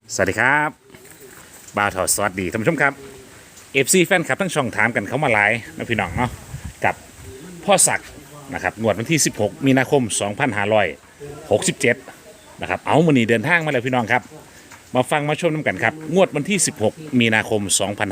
สวัสดีครับบ่าวถอดสวัสดีท่านผู้ชมครับ FC แฟนคลับทั้งช่องถามกันเข้ามาหลายนะพี่น้องเนาะกับพ่อศักดิ์นะครับงวดวันที่ 16 มีนาคม 2567นะครับเอามื้อนี้เดินทางมาแล้วพี่น้องครับมาฟังมาชมน้ำกันครับงวดวันที่ 16 มีนาคม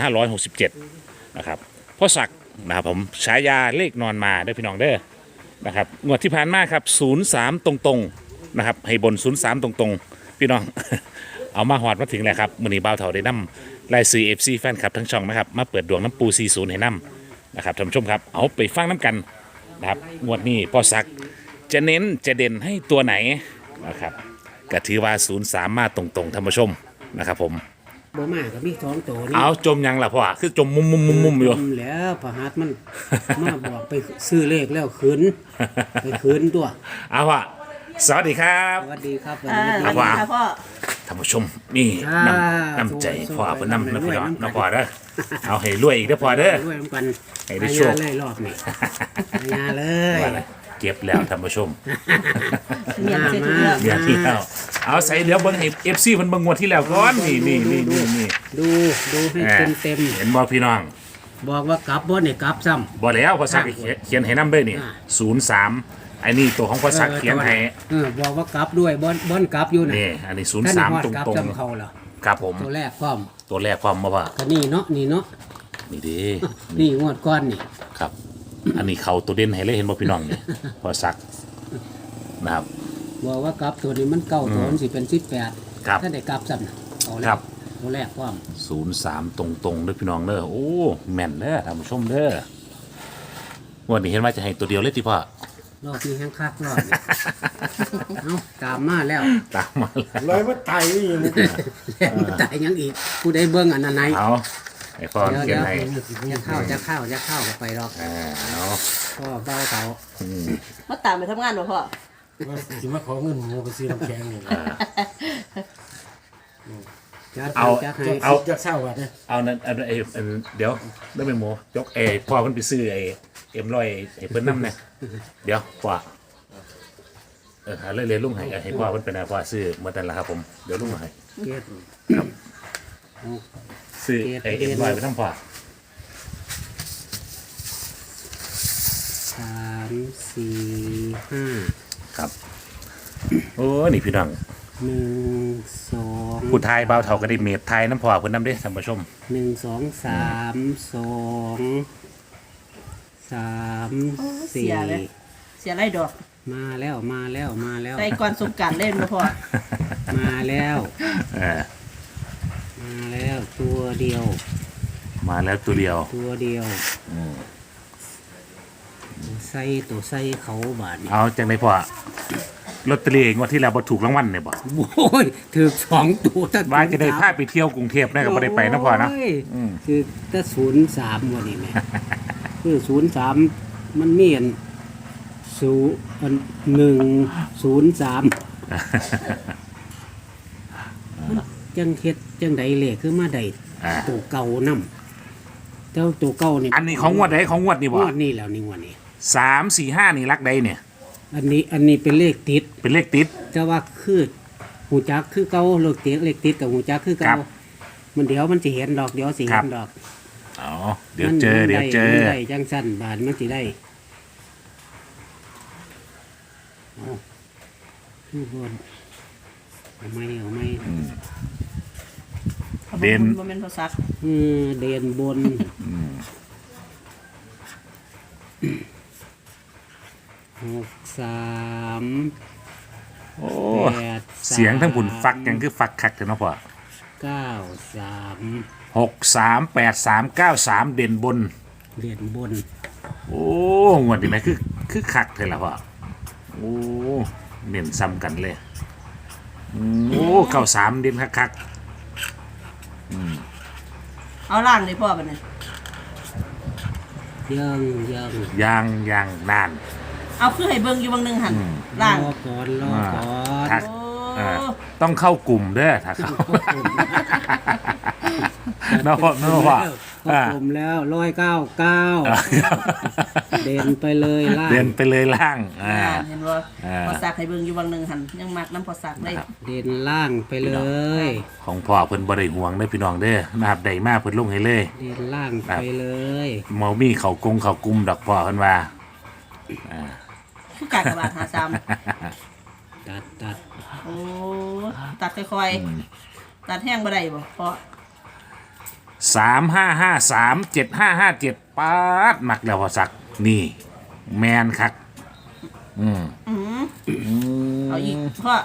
2567นะครับพ่อศักดิ์นะครับผมฉายาเลขนอนมาได้อพี่น้องเด้อนะครับงวดที่ผ่านมาครับ03ตรงๆนะครับให้บน03ตรงๆพี่น้อง เอามาหอดมาถึงแล้วครับมื้อนี้บ่าวเฒ่าได้นำรายซื้อ FC แฟนคลับทั้งช่องนะครับมาเปิดดวงน้ำปู40ให้นำนะครับท่านผู้ชมครับเอาไปฟังน้ำกันนะครับงวดนี้พ่อศักดิ์จะเน้นจะเด่นให้ตัวไหนนะครับก็ถือว่า03มาตรงๆท่านผู้ชมนะครับผมบ่มาก็มี2ตัวนี่เอาจมยังล่ะพ่อคือจมมุมๆๆๆอยู่แล้วพระหัตถ์มัน มาบอกไปซื้อเลขแล้วคืนไปคืนตัวเอาว่ะสวัสดีครับสวัสดีครับครับว่าค่ะพ่อท่านผู้ชมนี่น้ำใจพ่อเพิ่นนำนะพี่น้องนะพ่อเด้อเอาให้รวยอีกเด้อพ่อเด้อด้วยน้ำกันให้ได้โชคเลยรอบนี้ยาเลยว่าอะไรเก็บแล้วท่านผู้ชมเมียนเสร็จทุกเรื่องเดือนที่แล้วเอาใส่เดี๋ยวเบิ่งให้ FC เพิ่นเบิ่งงวดที่แล้วก่อนนี่ดูให้เต็มเห็นบ่พี่น้องๆบอกว่ากลับบ่นี่กลับซ้ำบ่แล้วพ่อศักดิ์เขียนให้นำเด้อนี่อ่า 03ไอ้นี่ตัวของพ่อศักดิ์เขียนให้บอกว่ากลับด้วยบ่อนกลับอยู่น่ะนี่อันนี้ท่านฮอด 03ตกลับรงซ้ำเขาเหรอๆครับผมตัวแรกพร้อมตัวแรกความมาว่าก็นี่เนาะนี่เดินี่งวดก้อนนี่ครับ อันนี้เขาตัวเด่นให้เลยเห็นบ่พี่น้องนี่ พอสักนะครับบอกว่ากลับตัวนี้มันเก้าตัวมันสิเป็น18 ครับถ้าได้กลับซ้ำน่ะเอาแล้ครัวบตัวแรกพร้อม 03ตรงๆเด้อพี่น้องเด้อโอ้แม่นเด้อท่านผู้ชมเด้อวันนี้เห็นว่าจะให้ตัวเดียวเลยที่พ่อรอบนี้แห้งคักรอบนี้ เอาตามมาแล้วตามมาแล้วลอยว่าไตนี่นะแล้วมาตายยังอีกผู้ใดเบิ่งอันนั้นไหนเอาไอ้พ่อเดี๋ยวเขียนให้จะเข้าก็ไปหรอกเอาพ่อเบาเตามาตามไปทำงานบ่พ่อว่าสิมาขอเงินหมูไปซื้อน้ำแข็งนี่นะจัดเอาจัดให้เอาจะเศร้าว่ะเนี่ยเอานั้นอันเดี๋ยวได้เป็นหมูยกพ่อเพิ่นไปซื้อเอ็มร้อยให้เพิ่นนำเนี่ยเดี๋ยวพ่อหาเลยลุงให้พ่อเพิ่นเป็นอะไรพ่อซื้อหมดนั่นแหละครับผมเดี๋ยวลุงให้เกตซื้อเอ็มร้อยไปทั้งพ่อ 3 4 5 ครับโอ้นี่พี่น้อง 1 2 ผู้ไทยเบาเท่าก็ได้เมดไทยน้ำพ่อเพิ่นนำเด้ท่านผู้ชม 1 2 3 2 3 เสียเลย 4 เสียไรดอกมาแล้วใส่ก่อนสงกรารเล่นบ่พ่อมาแล้วเออมาแล้วตัวเดียวมาแล้วตัวเดียวตัวเดียวใส่ตัวใส่เขาบาทนี่เอาจังไดพ่อลอตเตอรี่งวดที่แล้วบ่ถูกรางวัลเนี่ยบ่โอ้ยถือ2ตัวตั้งว่าจะได้พาไปเที่ยวกรุงเทพได้ก็บ่ได้ไปนะพ่อนะโยคือถ้า03วันนี้แหม่ คือ03มันมีอัน103จังเฮ็ดจังใดเลขคือมาได้อ่าตัวเก่านำเจ้าตัวเก่านี่อันนี้ของงวดใดของงวดนี่งบ่วดนี้แล้วนี่งวดนี้ 3 4 5นี่รักใดเนี่ยอันนี้เป็นเลขติดเป็นเลขติดแต่ว่าคือหูจักคือเก่าเลขติดกับหูจักคือครัเก่าบมันเดี๋ยวมันสิเห็นดอกเดี๋ยวสิครัเห็บนดอกอ๋อเดี๋ยวเจอมันได้จังสั้นบานมันสิได้เอาคือบนเอาไม่เด่นบ่แม่นพ่อซักเด่นบน63 โอ้ 83 เสียงทั้งผุนฟักยังคือฟักคักเถอะเนาะพ่อ 93 638393เด่นบนเด่นบนโอ้งวดนี้ไหมคือคักเถอะล่ะพ่อโอ้เน้นซ้ำกันเลยโอ้93เด่นคักเอาล่างเลยพ่อบัดนี้ยังๆยางนานเอาคือให้เบิ่งอยู่บางหนึงหั่นล่างรอก่อนถ้าโอ้ต้องเข้ากลุ่มเด้อถ้าเข้าเนาะพ่อก็กลมแล้ว199 เด่นไปเลยล่างเดินไปเลยล่างเห็นว่าอ่าพอสักให้เบิ่งอยู่วังหนึ่งหันยังมักน้ำพอสักเลยเด่นล่างไปเลยของพ่อเพิ่นบ่ได้ห่วงเด้อพี่น้องเด้อนะครับได้มาเพิ่นลงให้เลยเด่นล่างไปเลยเมามีเขากุมดอกพ่อเพิ่นว่าคือกากบาทหาซ้ตัดำโอ้ตัดค่อยๆตัดแห้งบ่ได้บ่เพราะ 35537557ปาดมักแล้วพ่อสักนี่ แมนคักเอาอีกเพราะ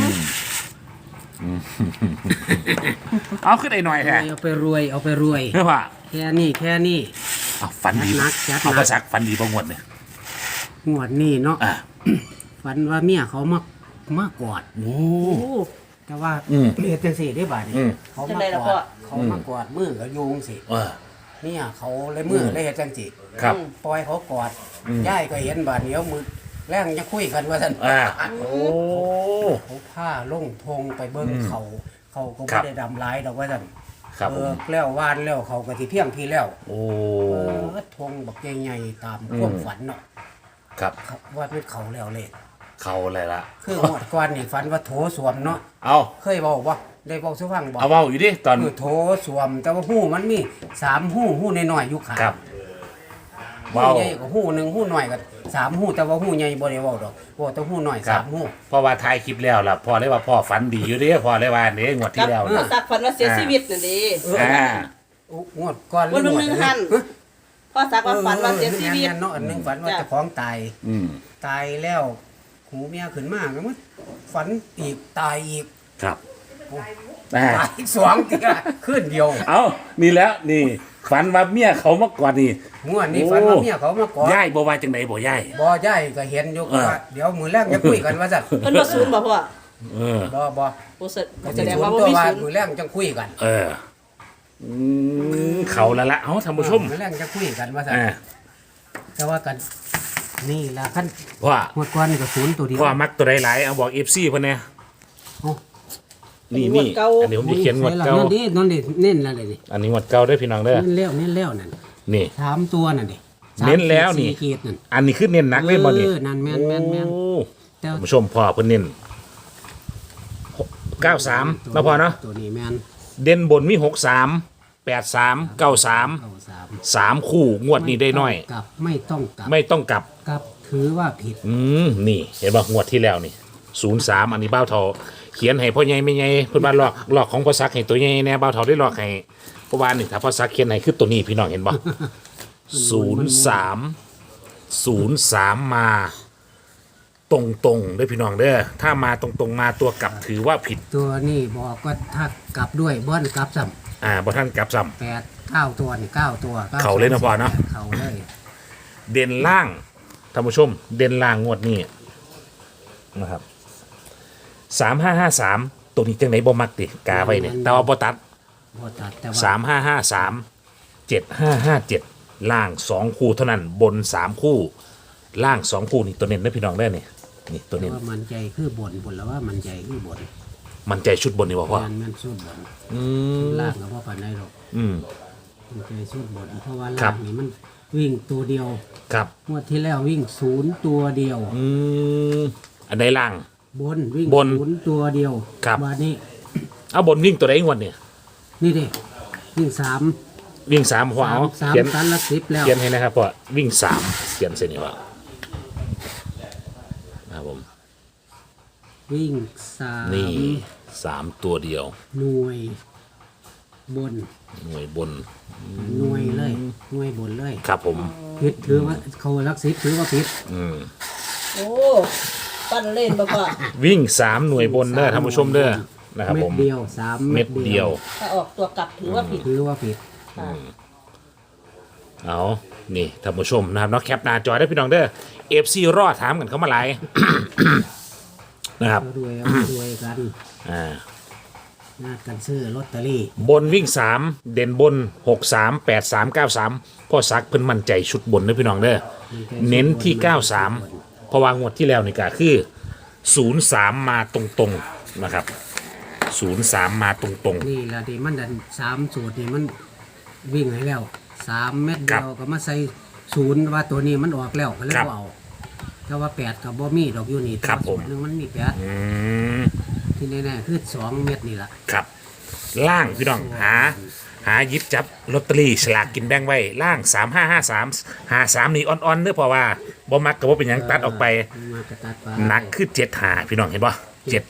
เอาขึ้นไอ้หน่อยแท้เอาไปรวยเอาไปรวยเพื่อว่าแค่นี้เอาฝันดีจัดหนักจัดหนักเอาพ่อสักฝันดีบ่งวดเนี่ยงวดนี้เนาะอ่ะฝันว่าเมียเขามากอดโอ้โอ้แต่ว่าอืมเฮ็ดจังซี่ได้บาดนี้อืมเขาจังมาใดล่ะกพ่ออดเขามากอดมือก็โยงสิเออเนี่ยเขาเลยมือเลยเฮ็ดจังซี่ครับปล่อยเขากอดย่ายก็เห็นบาดเดียวมือแรงจะคุยกันว่าซั่นโอ้เขาผ้าลงทงไปเบิ่งเขาก็ครับ่บได้ดำหลายดอกว่าซั่นครับผมแล้ววานแล้วเขาก็สิเพียงพี่แล้วโอ้ทงบักใหญ่ๆตามความฝันเนาะครับครับว่าเป็นเขาแล้วเลยเขาอะไรล่ะคือหมดก่อนนี่ฝันว่าโถสวมเนาะเอาเคยบอกว่าได้บอกสุฟังบอกเอาเว้าอยู่ดิตอนคือโถสวม แต่ว่าหู้มันมี3หู้น้อยๆอยู่ขาครับหู้เว้าใหญ่ก็หู้หนึงหู้น้อยก็3หู้แต่ว่าหู้ใหญ่บ่ได้เว้าดอกว่าแต่หู้น้อยครับ 3หู้เพราะว่าถ่ายคลิปแล้วล่ะพ่อเลยว่าพ่อฝันดีอยู่เด้พ่อเลยว่าเนี่ยงวดกัที่บแล้วพอนะสักฝันว่าเสียชีวิตนั่นดิงวดก่อนวันหนึ่งหัน พอสักว่าฝันว่าเสียชีวิตแม่นๆเนาะอันหนึงฝันว่าจ้ะเจ้าของตายอืมตายแล้วหูเมียขึ้นมาก็มันฝันอีกตายอีกครับตายอีกสองเทื่อขึ้นเดียวเอานี่แล้วนี่ฝันว่าเมียเขามาก่อนนี่งวดนี้ฝันว่าเมียเขามากอดย่ายบ่ว่าจังไหนบ่ย่ายบ่ย้ายก็เห็นอยู่เออว่าเดี๋ยวมื้อแรกจะคุยกันว่าซั่นเพิ่นบ่ศูนย์บ่พ่อเออบ่บ่แสก็แสสิดงชวว่าน บ่ตัวมีว่าศูนย์มื้อแรกจังคุยกันเออเขาแล้วละเอาท่านผู้ชมมื้อแรกจะคุยกันว่าซั่นอ่าแต่ว่ากันนี่ล่ะคันว่างวดก่อนนี่ก็ศูนย์ตัวเดียวพ่อมักตัวใดหลายเอาบอก FC เพิ่นแน่โอ้นี่นี่อันนี้ผมจะเขียนงวดเก่านั่นดิเน้นแล้วนี่อันนี้งวดเก่าเด้อพี่น้องเด้อเน้นแล้วนั่นนี่ 3ตัวนั่นดิเน้นแล้วนี่ 4ขีดนั่นอันนี้คือเน้นหนักเลยบ่นี่นั่นแม่นโอ้แต่ท่านผู้ชมพ่อเพิ่นเน้น93แล้วพอเนาะตัวนี้แม่นเด่นบนมี63 83 93 3คู่งวดนี้ได้น้อยไม่ต้องกลับไม่ต้องกลับกลับถือว่าผิดนี่เห็นป่ะงวดที่แล้วนี่03อันนี้เบ้าเทาเขียนให้พ่อใหญ่ไม่ใหญ่เพิ่นว่าลอกของพ่อซักให้ตัวใหญ่แน่เบ้าเทาได้ลอกให้เพราะว่านี่ถ้าพ่อซักเขียนให้คือตัวนี้พี่น้องเห็นป่ะ03มาตรงๆเด้อพี่น้องเด้อถ้ามาตรงๆมาตัวกลับถือว่าผิดตัวนี้บอกว่าถ้ากลับด้วยบ้อนกลับซ้บ่ท่านกลับซ้ำ8 9ตัวนี่9ตัวเขาเลยนะพ่อเนาะเขาเลยำเด่นล่างท่านผู้ชม เด่นล่างงวดนี้นะครับ3553ตัวนี้จังไหนบ่มักติกาไว้เนี่ยแต่ว่าบ่ตัดบ่ตัดแต่ว่า 3553 7557ล่าง2คู่เท่านั้นบน3คู่ล่าง2คู่นี่ตัวเน้นนะพี่น้องได้อนี่นี่ตัวแต่เน้นว่ามันใจคือบนแล้วว่ามันใจคือบนมันใจชุดบนนี่บ่พ่อมันสู้บนอืมล่างก็บ่ปานใดหรอกอืมมันใจสู้บนเพราะว่าครัล่าบงนี่มันวิ่งตัวเดียวครับงวดที่แล้ววิ่ง0ตัวเดียวอืมอันใดล่างบนวิ่งบน 0ตัวเดียวครับวันนี้เอาบนวิ่งตัวใดงวดเนี่ยนี่ดิวิ่ง3 วิ่ง3พ่อเอาเขียน 3ตันละ10แล้วเขียนให้นะครับพ่อวิ่ง3เขียนเส้นนี้ว่าครับผมวิ่งนี่ 3 3ตัวเดียวหน่วยบนหน่วยบนหน่วยเลยหน่วยบนเลยครับผมผิดถือว่าเขารักสิบถือว่าผิดโอ้ปั้นเล่นบ่พ่อวิ่ง3หน่วยบนเด้อท่านผู้ชมเด้อนะครับเม็ผดมเดียว3 เม็ดเดียวถ้าออกตัวกลับถือว่าผิดถือว่าผิดค่ะเอานี่ท่านผู้ชมนะครับเนาะแคปหน้าจอได้พี่น้องเด้อ FC รอดถามกันเข้ามาหลาย นะครับรวยรวยกันอ่านาดกันซื้อลอตเตอรี่บนวิ่ง3เด่นบน63 83 93พ่อซักเพิ่นมั่นใจชุดบนเด้อพี่น้องเด้อเน้นที่93เพราะว่างวดที่แล้วนี่ก็คือ03มาตรงๆนะครับ03มาตรงนี่ละที่มันดัน3สูตรนี่มันวิ่งให้แล้ว3เม็ดเดียวก็มาใส่ศูนย์ว่าตัวนี้มันออกแล้วก็เลยครับบ่เอาแต่ว่า8กับบ่มีดอกอยู่นี่ครับผมแต่ว่าสูตนึงมันมี8 อืมที่แน่ๆคือ2 เม็ดนี่ล่ะครับล่างพี่น้องหาหยิบจับลอตเตอรี่ฉลากกินแบ่งไว้ล่าง3553นี่อ่อนๆเด้อเพราะว่าบ่มักก็บ่เป็นหยังตัดออกไปมากระตัดไปหนักคือ7หาพี่น้องเห็นบ่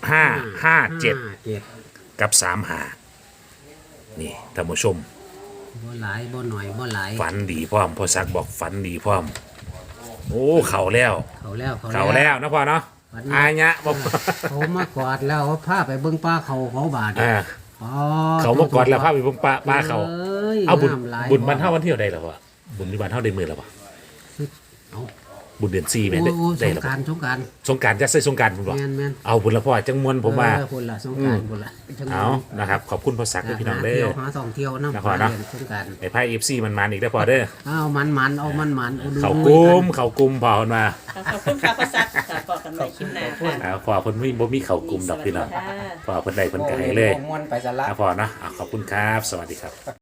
7557กับ3หานี่ท่านผู้ชมบ่หลายบ่หน่อยบ่หลายฝันดีพร้อมพ่อซักบอกฝันดีพร้อมโอ้เข่าแล้วเขาแล้วเข่าแล้วนะพ่อเนาะฝันดีอายะบอกเขามากอดแล้วเขาพาไปเบิ่งป้าเขาบาดอ่าอ๋อเขามากอดแล้วพาไปเบิ่งป้าเขายเอาบุญน้ำหลายบุญบ้านเท่าวันเที่ยวได้หรอวะบุญที่บ้านเท่าได้มือแล้ววะเอาบุญเดือน4แม่นโอ้ได้สได้งแล้วกรารสงกรารสงกรารจะใส่สงกรารผมบอกแม่นเอาบุญละพ่อจังมวนผมว่าคนละสงกรารคนละจังหวะเอานะครับขอบคุณพ่อซักด้วยพี่น้องเด้เที่ยวอหาท่องเที่ยวน้ำนะพ่อเนาะเรียสงกรารไอ้ไพ่ FC มันอีกได้อพ่อเด้อเอามันเอามันเอาดูเขากุมเขากุมพ่อคนมาขอบคุณค่ะพ่อซักค่ะพอกันใหม่คลิปหน้าค่ะพ่อเพิ่นบ่มีเขากุมดอกพี่น้องค่ะพ่อเพิ่นได้เพิ่นก็ให้เลยมวนไปสละนะพ่อเนาะขอบคุณครับ สวัสดีครับ